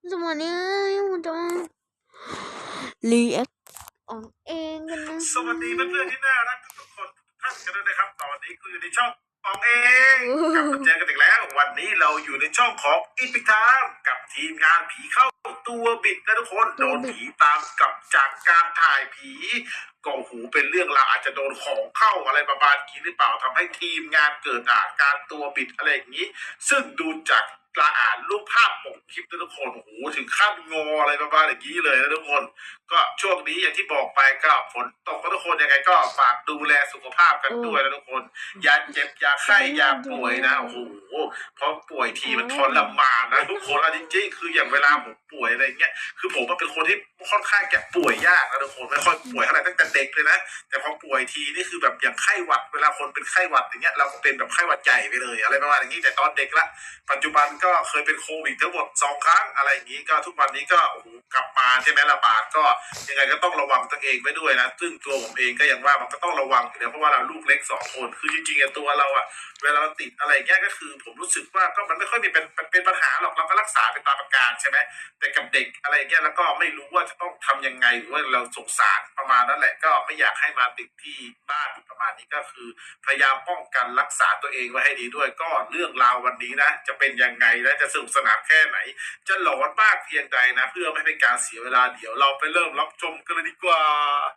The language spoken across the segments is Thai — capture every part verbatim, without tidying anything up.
สวัสดีครับจะรีแอคออกเองกันนะสวัสดีเพื่อนๆที่น่ารักทุกคนทุกท่านกันด้วยนะครับตอนนี้คุณอยู่ในช่องอองเองกลับมาเจอกันอีกแล้ววันนี้เราอยู่ในช่องของอีพิกไทม์กับทีมงานผีเข้าตัวบิดนะทุกคนโดนผีตามกลับจากการถ่ายผีก็หูเป็นเรื่องราวอาจจะโดนของเข้าอะไรประมาณนี้หรือเปล่าทำให้ทีมงานเกิดอาการตัวบิดอะไรอย่างนี้ ซึ่งดูจากกระอ่านรูปภาพปกคลิปนะทุกคนโอ้โหถึงขั้นงออะไรประมาณอย่างนี้เลยนะทุกคนก็ช่วงนี้อย่างที่บอกไปก็ฝนตกนะทุกคนยังไงก็ฝากดูแลสุขภาพกันด้วยนะทุกคนอย่าเจ็บอย่าไข้อย่าป่วยนะโอ้โหเพราะป่วยทีมันทรมานนะทุกคนจริงๆคืออย่างเวลาผมป่วยอะไรเงี้ยคือผมเป็นคนที่ค่อนข้างจะป่วยยากนะทุกคนไม่ค่อยป่วยเท่าไหร่ตั้งแต่เด็กเลยนะแต่พอป่วยทีนี่คือแบบอย่างไข้หวัดเวลาคนเป็นไข้หวัดอย่างเงี้ยเราก็เป็นแบบไข้หวัดใหญ่ไปเลยอะไรประมาณอย่างนี้แต่ตอนเด็กละปัจจุบันก็เคยเป็นโควิดทั้งหมดสองครั้งอะไรอย่างนี้ก็ทุกวันนี้ก็โอ้โหกลับมาใช่ไหมระบาดก็ยังไงก็ต้องระวังตัวเองไว้ด้วยนะซึ่งตัวผมเองก็ยังว่ามันก็ต้องระวังอยู่แล้วเพราะว่าเราลูกเล็กสองคนคือจริงๆตัวเราอะเวลาเราติดอะไรเงี้ยก็คือผมรู้สึกว่าก็มันไม่ค่อยมีเป็นเป็นปัญหาหรอกเราก็รักษาเป็นตามอาการใช่ไหมแต่กับเด็กอะไรเงี้ยแล้วก็ไม่รู้ว่าจะต้องทำยังไงหรือว่าเราสงสารประมาณนั้นแหละก็ไม่อยากให้มาติดที่บ้านประมาณนี้ก็คือพยายามป้องกันรักษาตัวเองไว้ให้ดีด้วยก็เรื่องราววันนี้นะจะเป็นยังไงและจะสนุกสนานแค่ไหนจะหลอนมากเพียงใดนะเพื่อไม่ให้เป็นการเสียเวลาเดี๋ยวเราไปเริ่มรับชมกันเลยดีกว่า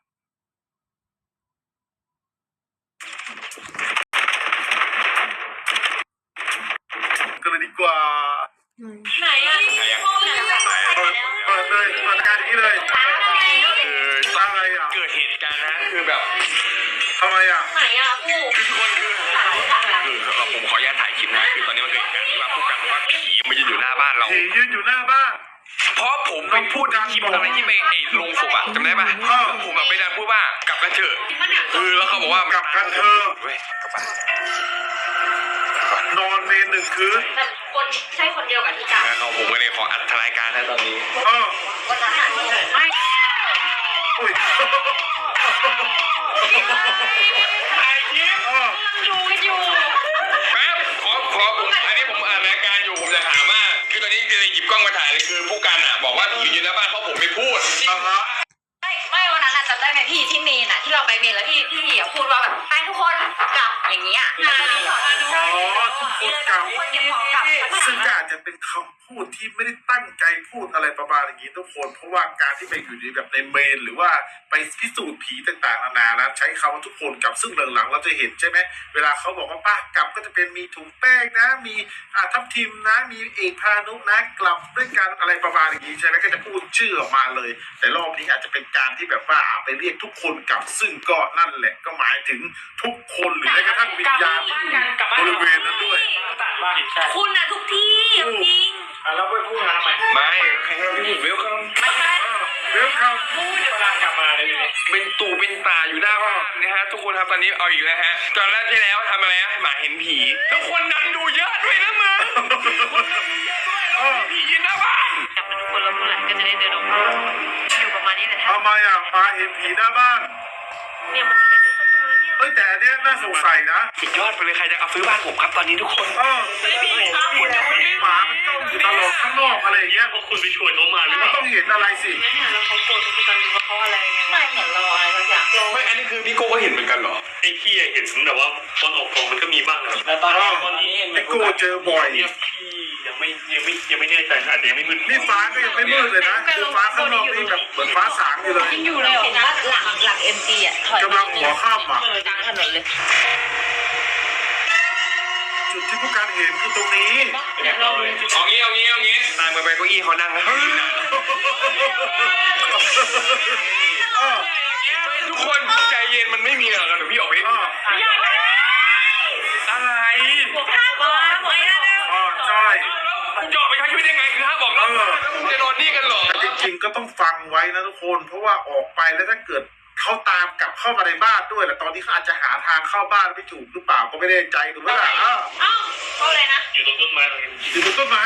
กันเลยดีกว่าไหนอะไหนอะเปิดเปิดเลยเปิดการนี้เลยคืออะไรอ่ะเกิดเหตุการณ์นะคือแบบทำไมอ่ะไหนอะผู้คือทุกคนคือคือผมขออนุญาตถ่ายคลิปนะคือตอนนี้มันเกิดเหตุการณ์ที่ว่าผู้กันว่าผีมันยืนอยู่หน้าบ้านเราผียืนอยู่หน้าบ้านเพราะผมไปพูดในคลิปอะไรที่ไปไอ้ลงศพอะจำได้ปะผมแบบไปดันพูดว่ากลับกันเถอะคือแล้วเขาบอกว่ากลับกันเถอะเว้ยกลับบ้านนอนเมนหนึ่งคืนแต่คนใช่คนเดียวกับที่จับเขาผมก็เลยขออัดรายการนะตอนนี้เออคนนั้นอ่ะไม่อุ้ยถ่ายคลิปกำลังดูอยู่แป๊บขอขออันนี้ผมอ่านรายการอยู่ผมจะถามว่าคือตอนนี้คือหยิบกล้องมาถ่ายเลยคือผู้กันอ่ะบอกว่าผีอยู่หน้าบ้านเพราะผมไม่พูดอ่าฮะไม่ไม่วันนั้นจำได้ไหมพี่ที่เมนอ่ะที่เราไปเมนแล้วพี่พี่เหี่ยวพูดว่าแบบไปทุกคนกลับอย่างเงี้ยอ๋อทุกคนกลับซึ่งอาจจะเป็นคำพูดที่ไม่ได้ตั้งใจพูดอะไรประมาณอย่างนี้ทุกคนเพราะว่าการที่ไปอยู่ในแบบในเมนหรือว่าไปพิสูจน์ผีต่างๆนานานะใช้คำว่าทุกคนกลับซึ่งหลังๆเราจะเห็นใช่ไหมเวลาเขาบอกว่าป้ากลับก็จะเป็นมีถุงแป้งนะมีอ่าทับทิมนะมีเอกพานุนะกลับด้วยกันอะไรประมาณอย่างนี้ใช่ไหมก็จะพูดชื่อออกมาเลยแต่รอบนี้อาจจะเป็นการที่แบบว่าไปเรียกทุกคนกลับซึ่งก็นั่นแหละก็หมายถึงทุกคนหรือแม้กระทั่งวิญญาณที่อยู่บริเวณนั้นด้วยคุณอะทุกที่จริงแล้วไปพูดมาทำไมไม่ใครให้พี่หญิงเวลคัมไม่ใช่เวลคัมพูดเวลากลับมาเลยเป็นตู่เป็นตาอยู่หน้าบ้านนะฮะทุกคนครับตอนนี้เอาอีกแล้วฮะตอนแรกที่แล้วทำอะไรให้หมาเห็นผีแล้วคนดันดูเยอะด้วยนะมึงคนดันดูเยอะด้วยแล้วมีผียืนหน้าบ้านกลับมาทุกคนแล้วเมื่อไหร่ก็จะได้เดินออกมาอยู่ประมาณนี้แหละทำไมอ่ะมาเห็นผีหน้าบ้านเนี่ยมันเป็นประตูแล้วเนี่ยเฮ้ยแต่เนี้ยน่าสงสัยนะสุดยอดไปเลยใครจะเอาซื้อบ้านผมครับตอนนี้ทุกคนเออหมามันจ้องอยู่ตลอดข้างนอกอะไรอย่างเงี้ยพวกคุณไปช่วยเขามาหรือเปล่าต้องเห็นอะไรสิไม่เห็นแล้วเขาโกรธเขากันว่าเขาอะไรไม่เหมือนเราอะไรสักอย่างไม่อันนี้คือพี่โก้ก็เห็นเหมือนกันเหรอไอ้พี่เห็นแต่ว่าตอนออกกองมันก็มีบ้างนะแต่ตอนตอนนี้ไอ้โก้เจอบ่อยเนี่ยพี่ยังไม่ยังไม่ยังไม่แน่ใจอาจจะยังไม่มืดนี่ฟ้าก็ยังไม่มืดเลยนะคือฟ้าข้างนอกนี่แบบเหมือนฟ้าสางอยู่เลยยังอยู่เลยเห็นว่าหลังหลังเอ็มจีอ่ะกำลังหัวข้ามอ่ะกลางถนนเลยจุดที่ผู้การเห็นคือตรงนี้เอางี้เอางี้เอางี้ตามไปไปเก้าอี้เขานั่งนะทุกคนใจเย็นมันไม่มีหรอกเดี๋ยวพี่ออกไปอะไรผมห้ามบอกห้ามบอกนะอ๋อใช่คุณจะออกไปใช้ชีวิตยังไงคือห้ามบอกแล้วคุณจะนอนนี่กันหรอแต่จริงๆก็ต้องฟังไว้นะทุกคนเพราะว่าออกไปแล้วถ้าเกิดเขาตามกลับเข้ามาในบ้านด้วยแหละตอนนี้เขาอาจจะหาทางเข้าบ้านไม่ถูกหรือเปล่าก็ไม่แน่ใจถูกไหมล่ะอ้าวเขาเลยนะอยู่ตรงต้นไม้อยู่ตรงต้นไม้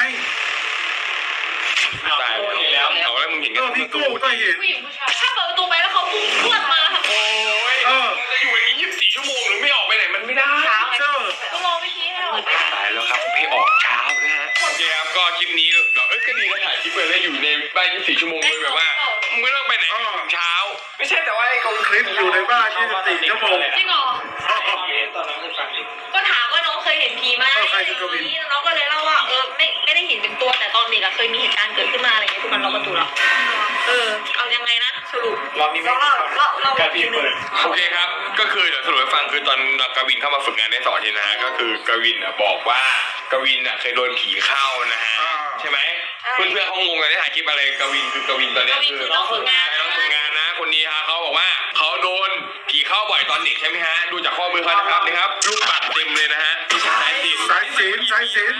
ตายแล้วเอาแล้วมึงเห็นกันพี่โก้ก็เห็นถ้าเปิดประตูไปแล้วเขาพุ่งพรวดมาค่ะโอ้ยมันจะอยู่อย่างนี้ยี่สิบสี่ชั่วโมงหรือไม่ออกไปไหนมันไม่ได้เจ้าต้องรอไม่ชี้ให้เรามืดตายแล้วครับไม่ออกเช้านะฮะโอเคครับก็คลิปนี้แบบเอ้ยก็ดีนะถ่ายคลิปไปแล้วอยู่ในบ้านยี่สิบสี่ชั่วโมงเลยแบบว่ามึงไม่ต้องไปไหนถึงเช้าไม่ใช่แต่ว่าไอ้คลิปอยู่ในบ้านยี่สิบสี่ชั่วโมงจริงเหรอตอนนั้นเคยฟังก็ถามว่าน้องเคยเห็นผีไหมน้องก็เลยเล่าว่าเออไม่ไม่ได้เห็นเป็นตัวแต่ตอนเด็กอะเคยมีเหตุการณ์เกิดขึ้นมาอะไรเงี้ยทุกคนล็อกประตูแล้วเออเอายังไงนะสรุปรอบนี้ไม่เราเราเราการพี่เปิดโอเคครับก็คือเดี๋ยวสรุปให้ฟังคือตอนกวินเข้ามาฝึกงานได้สองอาทีนะฮะก็คือกวินอ่ะบอกว่ากวินอ่ะเคยโดนผีเข้านะฮะใช่ไหมเพื่อนเพื่อนๆเขางงกันที่ถ่ายคลิปอะไรกวินคือกวินตอนนี้คือน้องฝึกงานน้องฝึกงานนะคนนี้ฮะเขาบอกว่าเขาโดนผีเข้าบ่อยตอนเด็กใช่ไหมฮะดูจากข้อมือเขานะครับนี่ครับลูกปัดเต็มเลยนะฮะสายสิญสายศีลสายศีล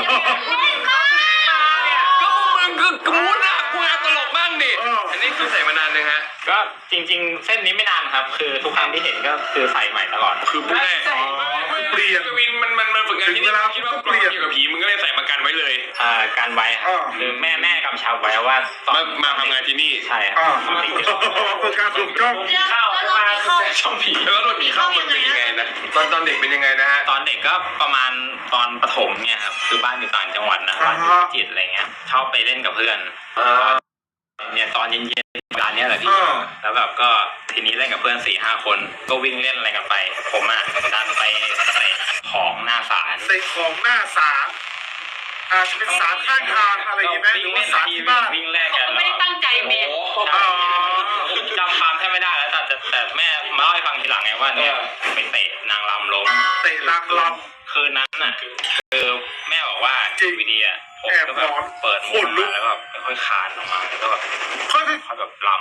ก็มึงคือกูนะกูอยากตลกบ้างดิอันนี้คือใส่มานานเลยฮะก็จริงๆ เส้นนี้ไม่นานครับ คือทุกครั้งที่เห็นก็คือใส่ใหม่ตลอดคือพูดได้เปลี่ยนกวินมันมันมันฝึกงานที่นี่คิดว่าเปลี่ยนกับผีมึงก็เลยใส่มากันไว้เลยอ่าการไว้ครับคือแม่แม่กำชับไว้ว่าตอนมามาทำงานที่นี่ใช่ครับอ่าฝึกการถูกจ้องเข้ามาช่องผีแล้วโดนผีเข้ามันเป็นยังไงนะตอนตอนเด็กเป็นยังไงนะฮะตอนเด็กก็ประมาณตอนประถมเนี่ยครับคือบ้านอยู่ต่างจังหวัดนะบ้านอยู่พิจิตรอะไรเงี้ยชอบไปเล่นกับเพื่อนเนี่ยตอนเย็นๆเวลาเนี้ยแหละพี่แล้วแบบก็ทีนี้เล่นกับเพื่อนสี่ห้าคนก็วิ่งเล่นอะไรกันไปผมอ่ะดันไปเตะของหน้าศาลเตะของหน้าศาลอาจจะเป็นศาลข้างทางอะไรอย่างเงี้ยไหมหรือว่าศาลที่บ้านวิ่งแลกกันไม่ได้ตั้งใจเมนจำความแทบไม่ได้แล้วแต่แต่แม่มาเล่าให้ฟังทีหลังไงว่าเนี่ยไปเตะนางรำล้มเตะนางรคืนนั้นน่ะคือแม่บอกว่าจริงวิดีอ่ะผมก็แบบแอบหลอนเปิดมุขนลุมกมาแล้วแบบค่อยๆคลานออกมาแล้วก็แบบำค่อยค่อยแบบล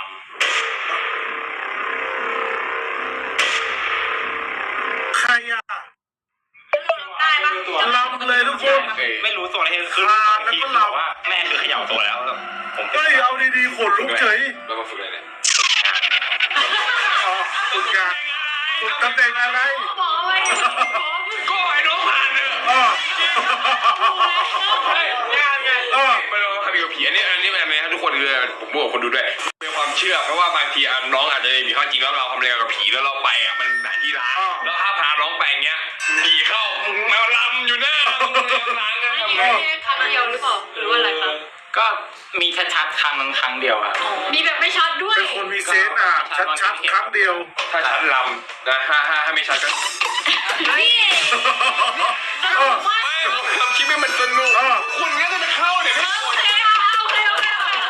ๆใครอ่ะได้ปะลำเลยทุกคนำไม่รู้ตัวอะไรคือคลานแล้วก็ลำบอกว่าแม่คือเขย่าตัวแล้วแล้วผมเฮ้ยเอาดีๆขนลุกเฉยแล้วมาฝึกอะไรเนี่ยอ๋อฝึกงานฝึกตำแหน่งอะไรบอกไว้ก็ไอ้น้องผ่านเนอะอ๋อใช่งานไงเออไม่รู้ว่าคดีกับผีอันนี้อันนี้แบบนี้ครับทุกคนคือผมบอกคนดูด้วยเป็นความเชื่อเพราะว่าบางทีน้องอาจจะมีข้อจริงแล้วเราทำอะไรกับผีแล้วเราไปอ่ะมันหาที่ร้านแล้วถ้าพาน้องไปเงี้ยผีเข้ามาลำอยู่หน้าร้านกันครั้งเดียวหรือเปล่าหรือว่าอะไรครับก็มีชัดๆครั้งครั้งเดียวครับมีแบบไม่ชัดด้วยเป็นคนมีเซนส์อ่ะ ชัดๆครั้งเดียวถ้าชัดลำนะถ้าถ้าถ้าไม่ชัดก็พี่เออไม่ทำคลิปให้มันสนุกเออคุณก็จะเข้าเนี่ยไม่โอเคโอเคโอเค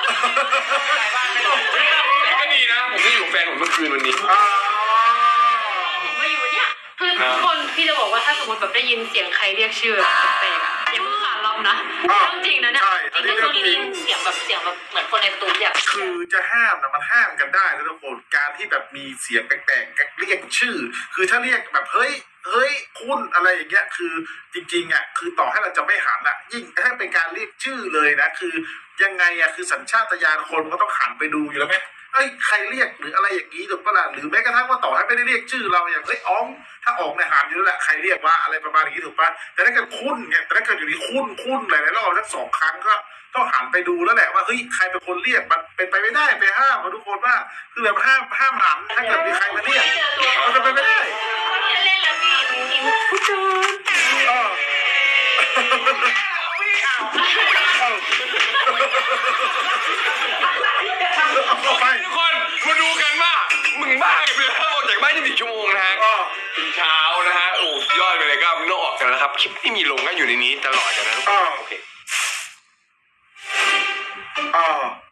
ก็ดีนะผมได้อยู่แฟนผมเมื่อคืนวันนี้อ่าผมมาอยู่เนี่ยคือทุกคนพี่จะบอกว่าถ้าสมมติแบบได้ยินเสียงใครเรียกชื่อแปลกๆอะอย่าเพิ่งขาดลำนะเรื่องจริงนะเนี่ยใช่อัจนรินี้งๆเรื่ช่อวงงนี้จได้ริงยินเสียงแบบเสียงแบบเหมือนคนในตูดอยากคือจะห้ามนะมันห้ามกันได้นะทุกคนการที่แบบมีเสียงแปลกๆเรียกชื่อ คือถ้าเรียกแบบเฮ้ยเฮ้ยคุณอะไรอย่างเงี้ยคือจริงๆอ่ะคือต่อให้เราจะไม่หันอ่ะยิ่งถ้าเป็นการเรียกชื่อเลยนะคือยังไงอ่ะคือสัญชาตญาณคนก็ต้องหันไปดูอยู่แล้วไหมเอ้ยใครเรียกหรืออะไรอย่างนี้ถูกปะล่ะหรือแม้กระทั่งว่าต่อให้ไม่ได้เรียกชื่อเราอย่างเอ้ยอ๋องถ้าอ๋องในยหันอยู่แล้วแหละใครเรียกว่าอะไรประมาณอย่างนี้ถูกปะแต่ถ้าเกิดคุณเนี่ยแต่ถ้าเกิดอยู่ดีคุณคุณหลายๆรอบสักสองครั้งก็ต้องหันไปดูแล้วแหละว่าเฮ้ยใครเป็นคนเรียกมันเป็นไปไม่ได้ไปห้ามทุกคนว่าคือแบบห้ามห้ามหันถ้าเกิดมีใครมาเรียกมันเป็นไปไม่ได้เล่นแล้วพี่ทีมผู้ชมเออเอาไปทุกคนมาดูกันว่ามึงบ้ากันไปแล้วออกจากบ้านยี่สิบสี่ชั่วโมงนะฮะอ๋อถึงเช้านะฮะโอ้ยอดไปเลยก็ไม่ต้องออกกันแล้วครับคลิปที่มีลงก็อยู่ในนี้ตลอดกันนะทุกคนโอเคอ๋อ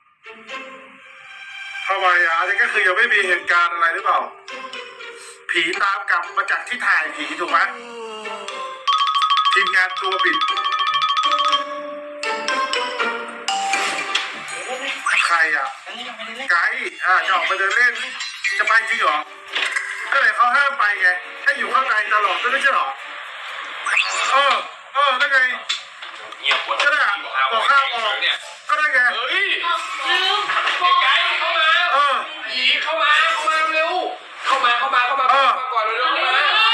ทำไมอ่ะอันนี้ก็คือยังไม่มีเหตุการณ์อะไรหรือเปล่า ผีตามกลับมาจากที่ถ่ายผีถูกไหมทีมงานตัวบิดใครอ่ะไกด์อ่าจะออกไปเดินเล่น จะไปจริงเหรอก็เลยเขาห้ามไปไงให้อยู่ข้างในตลอดไม่ใช่เหรอเออเออนั่นไงเงียบหมดก็ได้บอกห้ามออกเนี่ยก็ได้ไงเฮ้ยลืมไกด์เข้ามาเออผีเข้ามาเข้ามาเร็วเข้ามาเข้ามาเข้ามาเข้ามาก่อนเร็วเข้ามา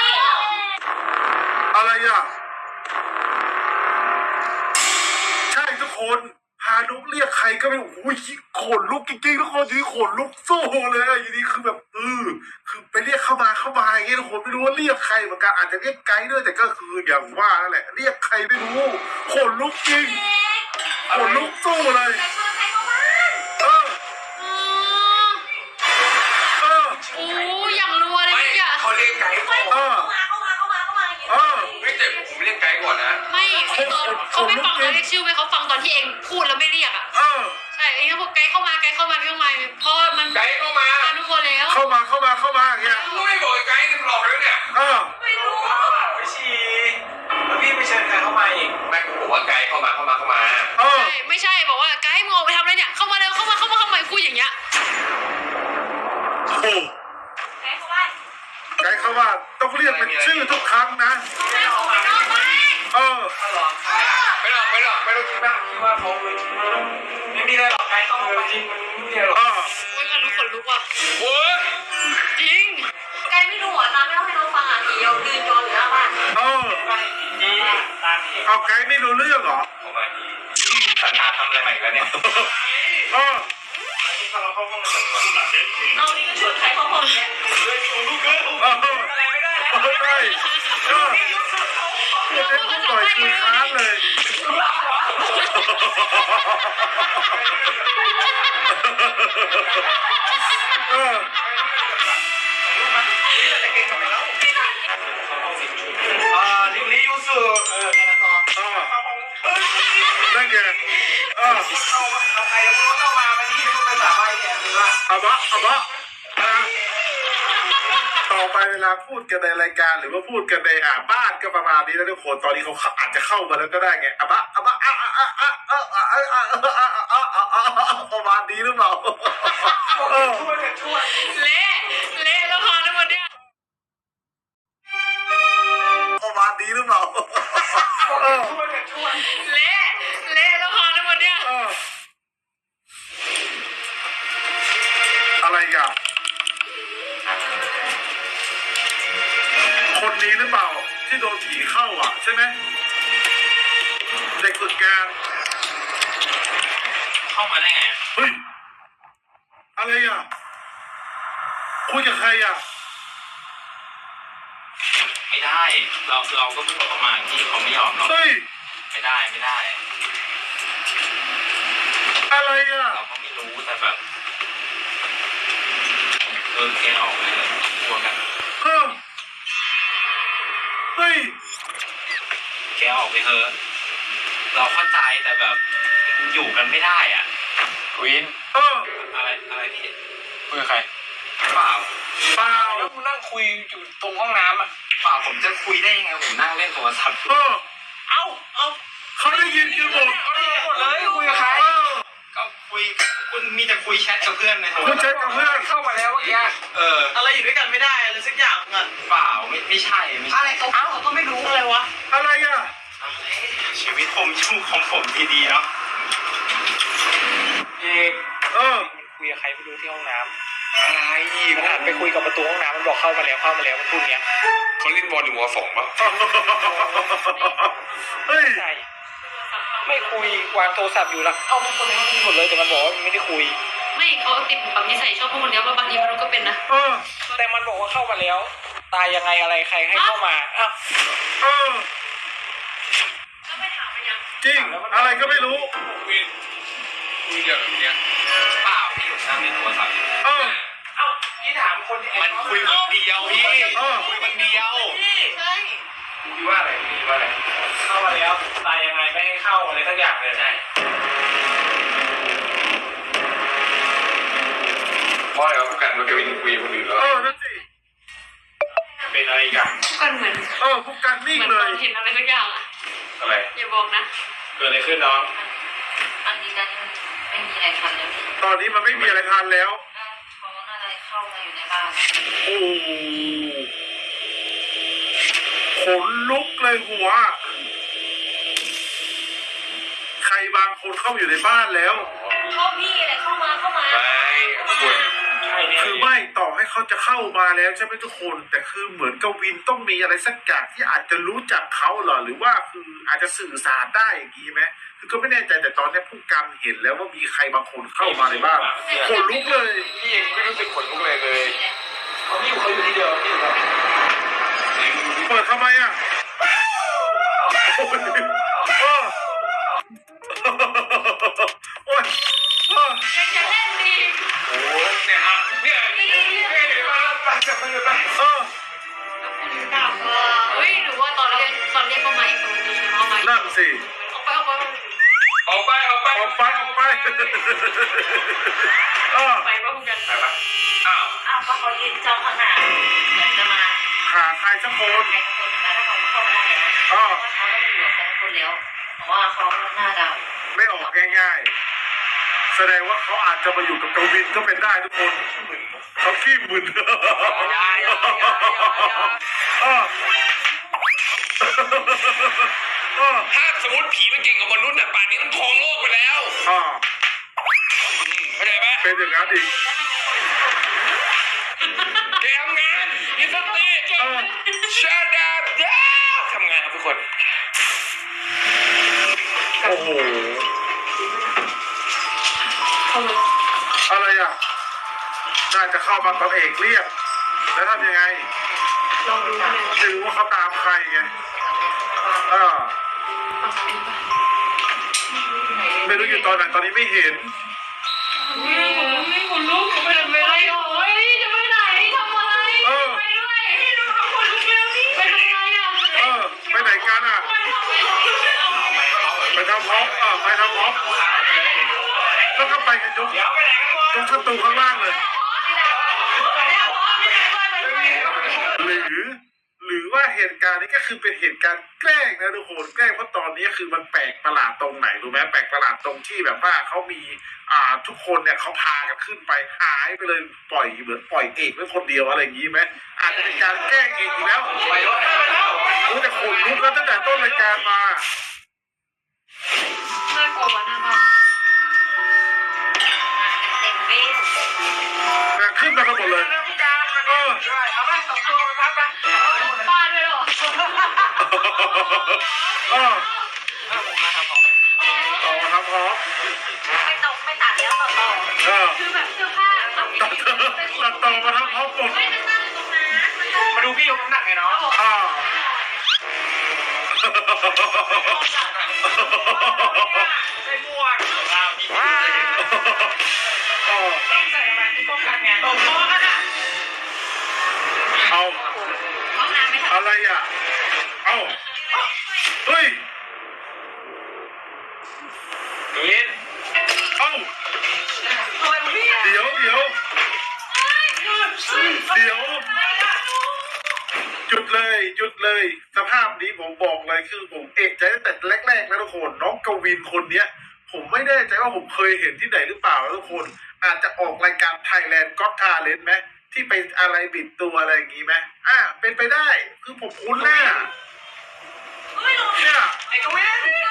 อะไรอ่ะใช่ทุกคนพานุกเรียกใครก็ไม่โอ้ยขนลุกจริงๆทุกคนอยู่ดีขนลุกสู้เลยอะอยู่ดีคือแบบเออคือไปเรียกเข้ามาเข้ามาอย่างเงี้ยทุกคนไม่รู้ว่าเรียกใครเหมือนกันอาจจะเรียกไกด์ด้วยแต่ก็คืออย่างว่านั่นแหละเรียกใครไม่รู้ขนลุกจริงขนลุกสู้เลยแต่ชวนใครเข้าบ้านเอออ๋อเออโอ้อย่างรัวเลยไม่เนี่ยเขาเรียกไกด์ก่อนเออเข้ามาเข้ามาเข้ามาเข้ามาอย่างเงี้ยเออไม่แต่ผมเรียกไกด์ก่อนนะไม่พี่ตอนเขาไม่ฟังเราเรียกชื่อไหมเขาฟังตอนที่เองพูดแล้วไม่เรียกอ่ะเออใช่เองก็บอกไกด์เข้ามาไกด์เข้ามาไกด์เข้ามาเพราะมันไกด์เข้ามามาทุกคนแล้วเข้ามาเข้ามาเข้ามาอย่างเงี้ยกูไม่บอกไอ้ไกด์หลอกแล้วเนี่ยเออไม่รู้ไปฉี่แล้วพี่ไปเชิญใครเข้ามาอีกแม่งบอกว่าไกด์เข้ามาเข้ามาเข้ามาเออใช่ไม่ใช่บอกว่าไกด์มึงออกไปทำอะไรเนี่ยเข้ามาเร็วเข้ามาเข้ามาเข้ามาพูดอย่างเงี้ยโอ้โหไกด์เข้าบ้านไกด์เข้าว่าต้องเรียกเป็นชื่อทุกครั้งนะเข้ามาเข้ามาเออถ้าหลอกใครอ่ะไม่หรอกไม่หรอกไม่ต้องคิดมากคิดว่าเขาไม่มีอะไรหรอกใครเข้ามาจริงมันไม่มีอะไรหรอกเออโอ้ยขนลุกขนลุกว่ะโอ้ยจริงไกด์ไม่รู้อ่ะตามไม่เล่าให้น้องฟังอ่ะผีเอาดืนจออยู่หน้าบ้านเออดีตามพี่เอาไกด์ไม่รู้เรื่องเหรอเข้ามาดีสัญญาทำอะไรใหม่แล้วเนี่ยเออถ้าเราเข้าห้องมันจะพูดหลังเด็กเอานี่ก็ชวนใครเข้าห้องเนี่ยเลยอยู่ลูกเอ้ยเอออะไรไม่ได้แล้วเออใช่เออพูดได้พูดบ่อยคือค้างเลย เออนี่เราจะเก่งทำไมแล้วอ่าลิลิยูสุเออแค่นั้นพอเออนั่นไงเออเอาเอาใครแล้วมึงเข้ามาวันนี้มึงไปสาบานแกหรือว่าอะบะอะบะนะต่อไปเวลาพูดกันในรายการหรือว่าพูดกันในอ่าบ้านก็ประมาณนี้แล้วทุกคนตอนนี้เขาอาจจะเข้ามาแล้วก็ได้ไงอะบะอะบะอะอะอะอะอะอะอะอะอะอะประมาณนี้หรือเปล่าเออช่วยกันช่วยเละเละแล้วพอทั้งหมดเนี่ยประมาณนี้หรือเปล่าเออช่วยกันช่วยเละเละแล้วพอทั้งหมดเนี่ยเอออะไรกันคนนี้หรือเปล่าที่โดนผีเข้าอ่ะใช่ไหมเด็กฝึกงานเข้ามาได้ไงเฮ้ยอะไรอ่ะคุยกับใครอ่ะไม่ได้ เราเราก็เพิ่งเข้ามาที่เขาไม่ยอมเราเฮ้ยไม่ได้ไม่ได้อะไรอ่ะเราก็ไม่รู้แต่แบบเออแกออกเลยกลัวกันเฮ้ยเฮ้ยแกออกไปเถอะเราเข้าใจแต่แบบอยู่กันไม่ได้อ่ะวินเอออะไรอะไรพี่คุยกับใครเปล่าเปล่าแล้วกูนั่งคุยอยู่ตรงห้องน้ำอ่ะเปล่าผมจะคุยได้ยังไงผมนั่งเล่นโทรศัพท์เออเอ้าเอ้าเขาได้ยินกันหมดเขาได้ยินหมดเลยคุยกับใครเออก็คุยคุณมีแต่คุยแชทกับเพื่อนในโทรคุยแชทกับเพื่อนเข้ามาแล้วเมื่อกี้เอออะไรอยู่ด้วยกันไม่ได้อะไรสักอย่างเงินเปล่าไม่ไม่ใช่ไม่ใช่อะไรเขาเขาก็ไม่รู้อะไรวะอะไรอ่ะชีวิตผมยุ่งของผมดีๆเนาะเอกเออมันคุยกับใครไม่รู้ที่ห้องน้ำอะไรอีกมันหันไปคุยกับประตูห้องน้ำมันบอกเข้ามาแล้วเข้ามาแล้วมันพูดเงี้ยเขาเล่นบอลหนึ่งวอสองป่ะเฮ้ยใช่ไม่คุยวางโทรศัพท์อยู่แล้วเอ้าทุกคนในห้องนี้หมดเลยแต่มันบอกว่ามันไม่ได้คุยไม่เขาติดแบบนิสัยชอบพูดคนเดียวว่าบางทีมันก็เป็นนะเออแต่มันบอกว่าเข้ามาแล้ว ตายยังไงอะไรใครให้เข้ามาอ้าวเออแล้วไม่ถามไปยังจริงอะไรก็ไม่รู้วินคุยอย่างเนี้ยเปล่าพี่ผมนั่งเล่นโทรศัพท์อยู่เออเอ้าพี่ถามคนที่มันคุยคนเดียวพี่เออคุยคนเดียวใช่คุยว่าอะไรคุยว่าอะไรเข้ามาแล้วตายยังไงไม่ให้เข้าอะไรสักอย่างเลยใช่เพราะอะไรวะผู้กันมันก็วินคุยคนอื่นแล้วเออนั่นสิเป็นอะไรกันทุกคนเหมือนเออพวกกันเหนิ่งมือนเลตอย นเห็นอะไรสักอย่างอ่ะอะไรอย่าบอกนะเกิดอะไรขึ้นน้องอันนี้นั้นไม่มีอะไรทันแล้วพี่ตอนนี้มันไม่มีอะไรทานแล้วเขาอะไรเข้ามาอยู่ในบ้านโอ้ขนลุกเลยหัว ใครบางคนเข้ามาอยู่ในบ้านแล้วชอบพี่อะไรเข้ามาเข้ามาไม่ควรใครได้เนี่ยคือไม่ต่อให้เขาจะเข้ามาแล้วใช่ไหมทุกคน แต่คือเหมือนกวินต้องมีอะไรสักอย่างที่อาจจะรู้จักเขาเหรอหรือว่าคืออาจจะสื่อสารได้อย่างนี้ไหมคือก็ไม่แน่ใจแต่ตอนนี้ผู้การเห็นแล้วว่ามีใครบางคนเข้ามาในบ้านขนลุกเลยพี่เองไม่รู้สึกขนลุกเลยเลยเขาไม่อยู่เขาอยู่ที่เดียวที่อยู่แบบเปิดทำไมอ่ะโอ้ยเออโอ้ยเออยังจะเล่นดีโอ้เนี่ยครับเนี่ยเนี่ยเดี๋ยวมาไปจับมันเลยไปเออเฮ้ยหรือว่าตอนเรียนตอนเรียนประมาณอีกคนนึงใช่ไหมประมาณนั่นสิออกไปออกไปออกไปออกไปออกไปออกไปเออไปว่าคุณกันไปปะอ้าวอ้าวก็เขายืนจ้องข้างหน้าเหมือนจะมาหาใครสักคนใครสักคนแต่ถ้าเขาเข้าไม่ได้แล้วเออเขาต้องอยู่กับใครสักคนแล้วเพราะว่าเขาหน้าดาวไม่ออกง่ายๆ แสดงว่าเขาอาจจะมาอยู่กับกวินก็เป็นได้ทุกคนเขาขี้มึนเออเออถ้าสมมติผีมันเก่งกว่ามนุษย์น่ะป่านนี้มันครองโลกไปแล้วอ่าอืมเข้าใจปะเป็นอย่างนั้นอีกแกทำงานมีสติเออชาดาดาทำงานครับทุกคนโอ้โหอะไรอ่ะน่าจะเข้ามาตอนเอกเรียกแล้วทำยังไงลองดูเลยไม่รู้ว่าเขาตามใครไงเออไม่รู้อยู่ตอนไหนตอนนี้ไม่เห็นไม่คนลุกไปทำอะไรเฮ้ยจะไปไหนทำอะไรเออไปด้วยให้ดูทุกคนลุกเร็วนี่ไปทำอะไรอ่ะเออไปไหนกันอ่ะ ไปทำพร้อมเออไปทำพร้อมแล้วก็ไปกันยกยกประตูข้างล่างเลย หรือ หรือว่าเหตุการณ์นี้ก็คือเป็นเหตุการณ์แกล้งนะทุกคนแกล้งเพราะตอนนี้คือมันแปลกประหลาดตรงไหนรู้ไหมแปลกประหลาดตรงที่แบบว่าเขามีอ่าทุกคนเนี่ยเขาพากันขึ้นไปหายไปเลยปล่อยเหมือนปล่อยเอกไว้คนเดียวอะไรอย่างนี้ไหมอาจจะเป็นการแกล้งเอกอีกแล้วรู้แต่ขนลุกแล้วตั้งแต่ต้นรายการมาน่ากลัวนะบ้าเต็มเบ้นะขึ้นมากันหมดเลยเออเอาไปสองตัวไปพักไปบ้าด้วยเหรอเออต่อมาทำพร้อมไม่ตกไม่ตัดแล้วต่อต่อเออคือแบบเสื้อผ้าแบบตัดตัดต่อมาทำพร้อมหมดไม่ได้นั่งตรงนั้นมันก็มาดูพี่ยกน้ำหนักไงเนาะอ่าไม่ม่วงเราดีมากเออต้องใส่อะไรที่ป้องกันไงโอ้โหขนาดเอาห้องน้ำไม่ทันอะไรอ่ะ เอาเฮ้ยยินเอาอะไรพี่เดี๋ยวเดี๋ยวเดี๋ยวหยุดเลยหยุดเลยสภาพนี้ผมบอกเลยคือผมเอะใจตั้งแต่แรกๆแล้วทุกคนน้องกวินคนเนี้ย ผมไม่แน่ใจว่าผมเคยเห็นที่ไหนหรือเปล่าแล้วทุกคน อาจจะออกรายการ Thailand Got Talent ไหมที่ไปอะไรบิดตัวอะไรอย่างงี้ไหมอ่ะเป็นไปได้คือผมคุ้นหน้าเนี่ยไอ้กวินเนี่ย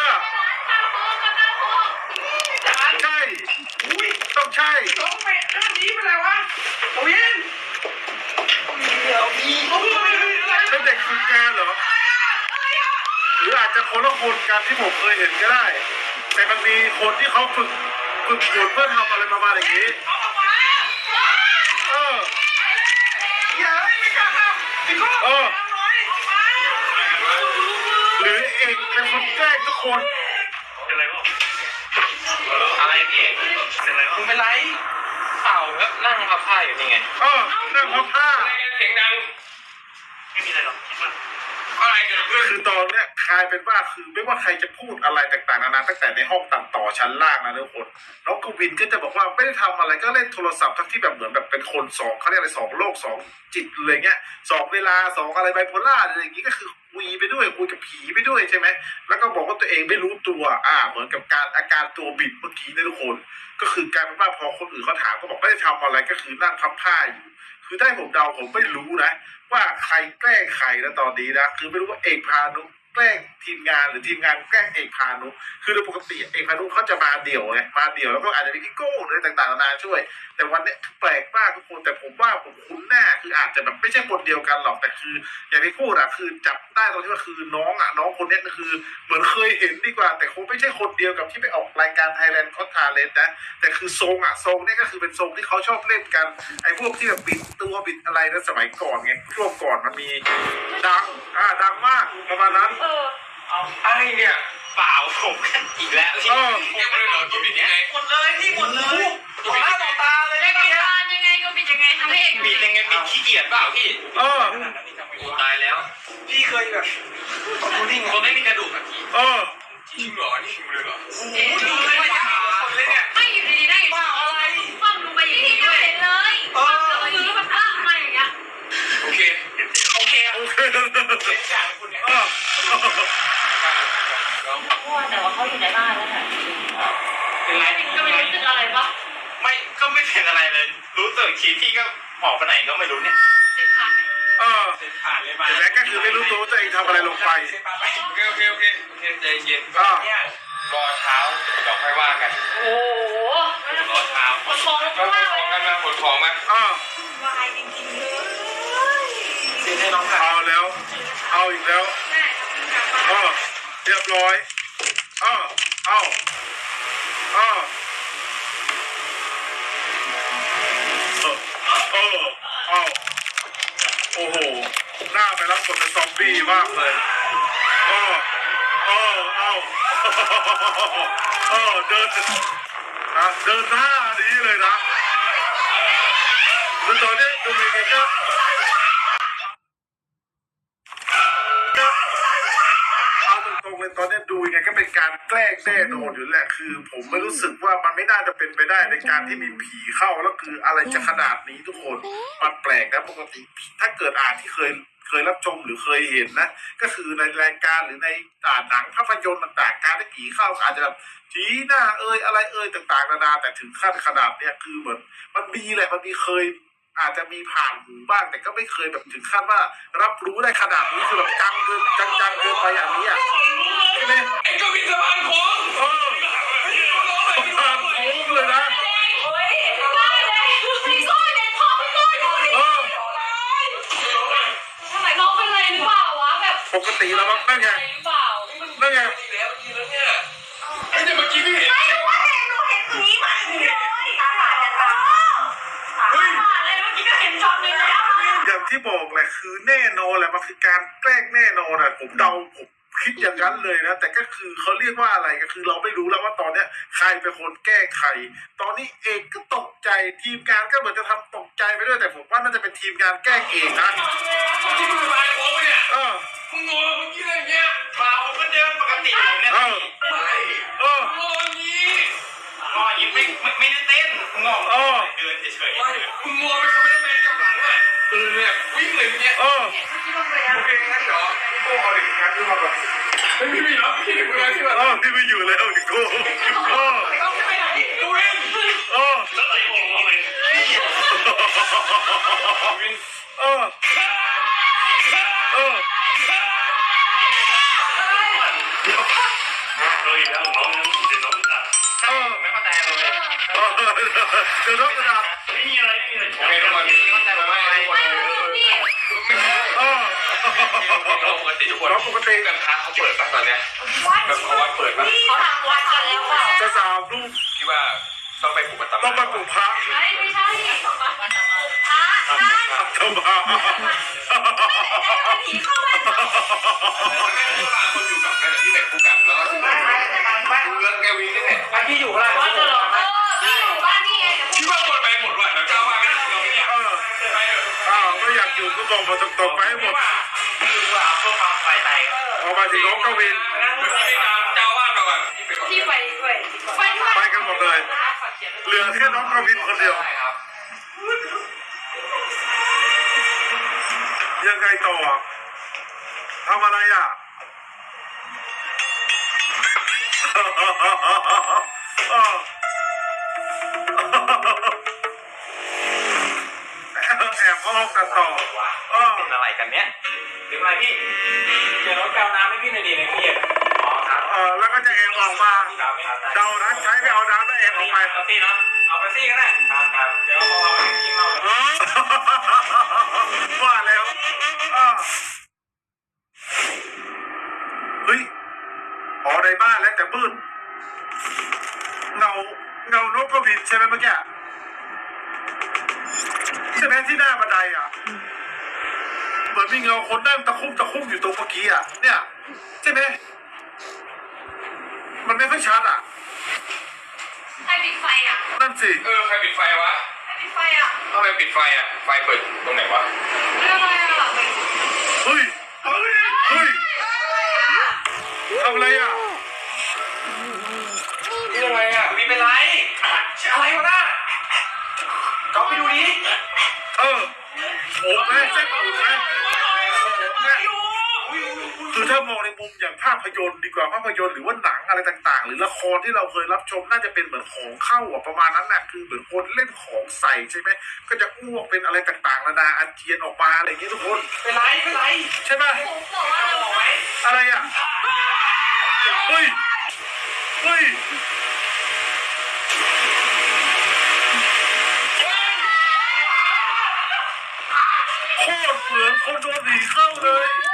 จานใช่อุ้ยต้องใช่ต้องไปเรื่องนี้เป็นไรวะกวินเดี๋ยวพี่โอ้ยเป็นเด็กฝึกงานเหรอ หรืออาจจะคนละคนกันที่ผมเคยเห็นก็ได้ แต่มันมีคนที่เขาฝึกฝึกฝนเพื่อทำอะไรประมาณอย่างนี้เอาออกมาเอออย่าไม่กล้าเข้าพี่ก็เออน้อยออกมาหรือเอกเป็นคนแกล้งทุกคนเป็นไรบ้างอะไรพี่เอกเป็นไรบ้างมึงเป็นไรเปล่าก็นั่งพับผ้าอยู่นี่ไงเออนั่งพับผ้าเสียงดังไม่มีอะไรหรอกคิดว่าอะไรเกิดขึ้นคือตอนเนี้ยกลายเป็นว่าคือไม่ว่าใครจะพูดอะไรต่างๆนานาตั้งแต่ในห้องตัดต่อชั้นล่างนะทุกคนน้องกวินก็จะบอกว่าไม่ได้ทำอะไรก็เล่นโทรศัพท์ทั้งที่แบบเหมือนแบบเป็นคนสองเขาเรียกอะไรสองโลกสองจิตเลยเงี้ยสองเวลาสองอะไรไบโพล่าอะไรอย่างงี้ก็คือคุยไปด้วยคุยกับผีไปด้วยใช่ไหมแล้วก็บอกว่าตัวเองไม่รู้ตัวอ่าเหมือนกับการอาการตัวบิดเมื่อกี้นะทุกคน ก็คือกลายเป็นว่าพอคนอื่นเขาถามก็บอกไม่ได้ทำอะไรก็คือนั่งพับผ้าอยู่ คือได้ผมเดาผมไม่รู้นะ ว่าใครแกล้งใครนะตอนนี้นะคือไม่รู้ว่าเอกพานุแกล้งทีมงานหรือทีมงานแกล้งเอกพานุคือโดยปกติเอกพานุเขาจะมาเดี่ยวไงมาเดี่ยวแล้วก็อาจจะมีพี่โก้หรือต่างๆนานาช่วยแต่วันนี้แปลกมากทุกคนแต่ผมว่าผมคุ้นหน้าคืออาจจะแบบไม่ใช่คนเดียวกันหรอกแต่คืออย่างที่พูดอะคือจับได้ตรงที่ว่าคือน้องอะน้องคนนี้ก็คือเหมือนเคยเห็นดีกว่าแต่คงไม่ใช่คนเดียวกับที่ไปออกรายการ Thailand Got Talent นะแต่คือทรงอะทรงเนี่ยก็คือเป็นทรงที่เขาชอบเล่นกันไอ้พวกที่แบบบิดตัวบิดอะไรนะสมัยก่อนไงช่วงก่อนมันมีดังอ่าดังมากประมาณนั้นเออไอ้เนี่ยเปล่าผมกันอีกแล้วเออยังไม่ได้หรอตัวบิดยังไงหมดเลยพี่หมดเลยต่อหน้าต่อตาเลยรายเมื่อกี้การยังไงก็เป็นยังไงทำให้เอกบิดยังไงบิดขี้เกียจเปล่าพี่เออตายแล้วพี่เคยแบบดูดิ่งคนไม่มีกระดูกอะพี่เออจริงเหรอนี่มึงเลยเหรอโอ้โหดูเลยว่ายากคนเลยเนี่ยไม่อยู่ดีๆได้อยู่อะไรคว่ำลงไปอย่างนี้ด้วยเห็นเลยคว่ำลงไปอย่างนี้มันพลาดมาอย่างเงี้ยโอเคโอเคโอเคอย่างคุณเนี่ยเออแต่ว่าเขาอยู่ในบ้านแล้วค่ะเป็นไรก็ไม่รู้สึกอะไรปะไม่ก็ไม่เป็นอะไรเลย รู้ตัวอีกทีพี่ก็หมอกไปไหนก็ไม่รู้เนี่ยเจ็บขาดไหมเออผ่านเลยมาแต่แรกก็คือไม่รู้ตัวว่าตัวเองทำอะไรลงไปโอเคโอเคโอเคโอเคใจเย็นอ่าเนี่ยรอเช้าเดี๋ยวค่อยว่ากันโอ้โหรอเช้าคนฟองแล้วขก็ว่านของกันมาขนของมาอ่าวายจริงๆเลยเสียใจน้องค่ะเอาแล้ว เอาอีกแล้วแม่ทำงานเออเรียบร้อยเออเอาเออเออเอาโอ้โหหน้าไปรับบทเป็นซอมบี้มากเลยเออเออเอาเออเดินนะเดินหน้านี้เลยนะคือตอนนี้ดูมีกันก็เอาตรงๆเลยตอนนี้ดูยังไงก็เป็นการแกล้งแน่นอนอยู่แหละคือ ผมไม่รู้สึกว่ามันไม่น่าจะเป็นไปได้ในการที่มีผีเข้าแล้วคืออะไรจะขนาดนี้ทุกคนมันแปลกนะปกติถ้าเกิดอ่านที่เคยเคยรับชมหรือเคยเห็นนะก็คือในรายการหรือในอ่าหนังภาพยนตร์ต่างๆการที่ผีเข้าอาจจะแบบชี้หน้าเอ่ยอะไรเอ่ยต่างๆนานาแต่ถึงขั้นขนาดเนี้ยคือเหมือนมันมีแหละมันมีเคย อาจจะมีผ่านหูบ้างแต่ก็ไม่เคยแบบถึงขั้นว่ารับรู้ได้ขนาดนี้คือแบบจังเกินจังจังเกินไปอย่างนี้อ่ะใช่ไหมไอ้กวินสะพานโค้งเออผ่านโค้งเลยนะโอ้ยได้เลยพี่โก้เด็กพ่อพี่โก้ดูดิเออทำไมน้องเป็นอะไรหรือเปล่าวะแบบปกติแล้วมั้งนั่นไงอะไรหรือเปล่านั่นไงอีกแล้วอีกแล้วเนี่ยไอ้แต่เมื่อกี้พี่เห็นไม่รู้ว่าเห็นหนูเห็นผีมาเลยตาบาดตาตาบาดเลยเมื่อกี้ก็เห็นช็อตนึงแล้วอย่างที่บอกแหละคือแน่นอนแหละมันคือการแกล้งแน่นอนอ่ะผมเดาผมคิดอย่างนั้นเลยนะแต่ก็คือเขาเรียกว่าอะไรก็คือเราไม่รู้แล้วว่าตอนเนี้ยใครเป็นคนแก้ใครตอนนี้เอกก็ตกใจทีมงานก็เหมือนจะทำตกใจไปด้วยแต่ผมว่าน่าจะเป็นทีมงานแกล้งเอกนะที่มึงสะพานโค้งปะเนี่ยเออมึงงอเมื่อกี้อะไรเงี้ยเปล่าผมก็เดินปกติผมเนี่ยเออไม่เอองออย่างนี้งอยิ้มไม่ไม่ไม่ได้เต้นงอเออเดินเฉยไม่มึงงอไปคอมเมนต์แมนกับหลังอ่ะเออเนี่ยวิ่งเลยเมื่อกี้เออโอเคงั้นเดี๋ยวพี่โก้เอาเด็กงานขึ้นมาก่อนไม่มีมีแล้วพี่เด็กงานขึ้นมาเออพี่ไม่อยู่แล้วดิโก้เออดูเองเออแล้วไอ้ผมทำไมเออเออโดยแล้วน้องเดี๋ยวน้องจะเออไม่เข้าใจเลยเออเดี๋ยวน้องกระดาษไม่มีอะไรไม่มีอะไรโอเคทุกคนเข้าใจไหมเออเราปกติทุกคนน้องปกติกันค้าเขาเปิดป่ะตอนเนี้ยแบบเขาวัดเปิดป่ะเขาทำวัดกันแล้วเปล่าจะสามลูกที่ว่าต้องไปปลูกปัตตาต้องไปปลูกพระไม่ไม่ใช่พระท่านทำมาผีเข้าบ้านเวลาคนอยู่กับนั่นที่ไหนคู่กันแล้วก็ที่ไหนดูเรื่องแกวิ่งนี่แหละไอ้ที่อยู่อะไรว่าจะหรอเออพี่อยู่บ้านนี่ไงคิดว่าคนไปหมดว่ะแล้วเจ้าว่าไม่ได้เราเนี่ยเออไปเถอะอ้าวไม่อยากอยู่ก็บอกมาตรงๆไปให้หมดคือว่าเพื่อความสบายใจเอามาถึงน้องกวินไปตามเจ้าว่ามาก่อนที่ไปก่อนที่ไปด้วยไปด้วยไปกันหมดเลย เหลือแค่น้องกวินคนเดียวใช่ครับยังไงต่อทำอะไรอ่ะเออแอบเข้าห้องกันต่อเออเป็นอะไรกันเนี้ยถึงอะไรพี่เดี๋ยวรถแก้วน้ำให้พี่หน่อยดีในตู้เย็นอ๋อครับเออแล้วก็จะแอบออกมาพี่สาวไม่เอาเดานะใช้ไปเอาน้ำแล้วแอบออกไปเอาซี่เนาะเอาไปซี่ก็ได้ครับครับเดี๋ยวพอเอาไปกินเราเลยว่าแล้วอ้าวเฮ้ยอ๋อในบ้านแล้วแต่มืดเงาเงานกกระวินใช่ไหมเมื่อกี้ใช่ไหมที่หน้าบันไดอ่ะเหมือนมีเงาคนนั่งตะคุ่มตะคุ่มอยู่ตรงเมื่อกี้อ่ะเนี่ยใช่ไหมมันไม่ค่อยชัดอ่ะใครปิดไฟอ่ะนั่นสิเออใครปิดไฟวะใครปิดไฟอ่ะทำไมปิดไฟอ่ะไฟเปิดตรงไหนวะเรื่องอะไรอ่ะเฮ้ยเฮ้ยเฮ้ยทำอะไรอ่ะนี่อะไรอ่ะมีเป็นไรอะไรวะน่ะก็ไปดูดิเออโอ้แม่เส้นผมแม่คือถ้ามองในมุมอย่างภาพยนตร์ดีกว่าภาพยนตร์หรือว่าหนังอะไรต่างๆ หรือละครที่เราเคยรับชมน่าจะเป็นเหมือนของเข้าอ่ะประมาณนั้นแหละคือเหมือนคนเล่นของใส่ใช่ไหมก็จะอ้วกเป็นอะไรต่างๆนานาอาเจียนออกมาอะไรอย่างเงี้ยทุกคนเป็นไรเป็นไรใช่ไหมผมบอกว่าเราบอกไหมอะไรอ่ะเฮ้ยเฮ้ยโคตรเหมือนคนโดนผีเข้าเลย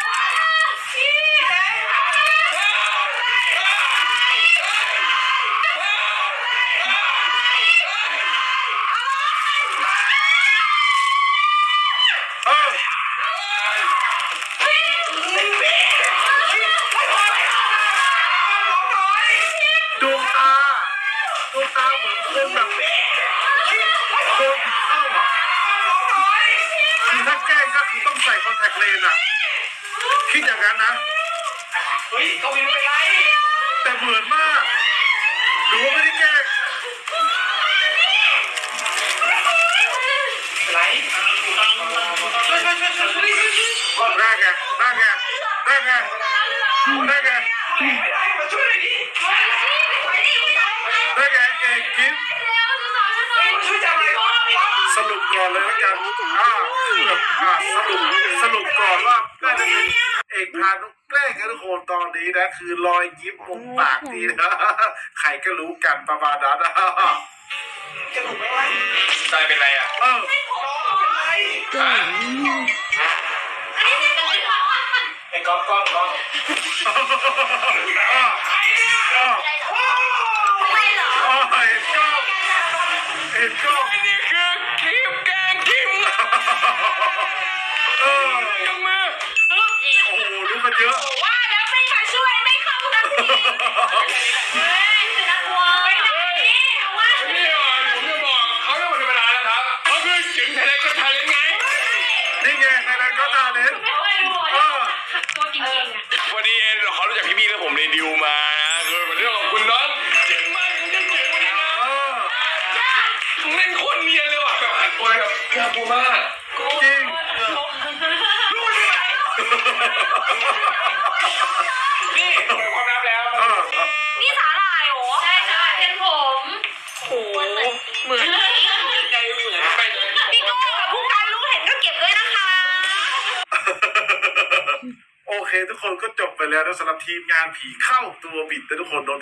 เออดวงตาดวงตาเหมือนคนแบบโดนผีเข้าอ่ะคือถ้าแกล้งก็คือต้องใส่คอนแทคเลนส์อ่ะ คิดอย่างนั้นนะเฮ้ยก็มีเป็นไรแต่เหมือนมากหรือว่าไม่ได้แกล้งเป็นไรช่วยช่วยช่วยช่วยช่วยช่วยได้ไงได้ไงได้ไงได้ไงไม่ได้มาช่วยหน่อยดิได้ไงเอกกิฟช่วยจับหน่อยก่อนสรุปก่อนเลยแล้วกันอ่าอ่าสรุปสรุปก่อนว่าน่าจะเป็นเอกพานุแกล้งกันทุกคนตอนนี้นะคือรอยยิ้มมุมปากดีนะใครก็รู้กันประมาณนั้นนะจะถูกไหมวะใจเป็นไรอ่ะเออเป็นไร ไอ้ก๊อฟก๊อฟก๊อฟอ่าใครเนี่ยอ่าไม่เหรออ่าเห็นกล้องเห็นกล้องนี่คือคลิปแกงคิมเออยังมือโอ้โหรู้กันเยอะว่าแล้วไม่มาช่วยไม่เข้ากันทีเฮ้ยจะน่ากลัวไปไหนเอาว่านี่อ่ะผมจะบอกเขาไม่ธรรมดาแล้วครับเขาคือจิ๋มไทยแลนด์ก็ไทยแลนด์ไงนี่ไงในนั้นก็ตาเลนไม่เคยดูเออตัวจริงๆอ่ะวันนี้เขารู้จักพี่ๆแล้วผมเลยดิวมานะคือเป็นเรื่องของคุณน้องเจ๋งมากคุณจะเจ๋งวันนี้นะเออมึงเล่นโคตรเนียนเลยว่ะแบบอัดตัวแบบน่ากลัวมากจริงนี่เปิดความลับแล้วเออนี่สาหร่ายเหรอใช่ใช่เป็นผมโหเหมือนใจเหมือนไปพี่โก้กับผู้การรู้เห็นก็เก็บด้วยนะคะโอเคทุกคนก็จบไปแล้วนะสำหรับทีมงานผีเข้าตัวบิดแต่ทุกคนโดน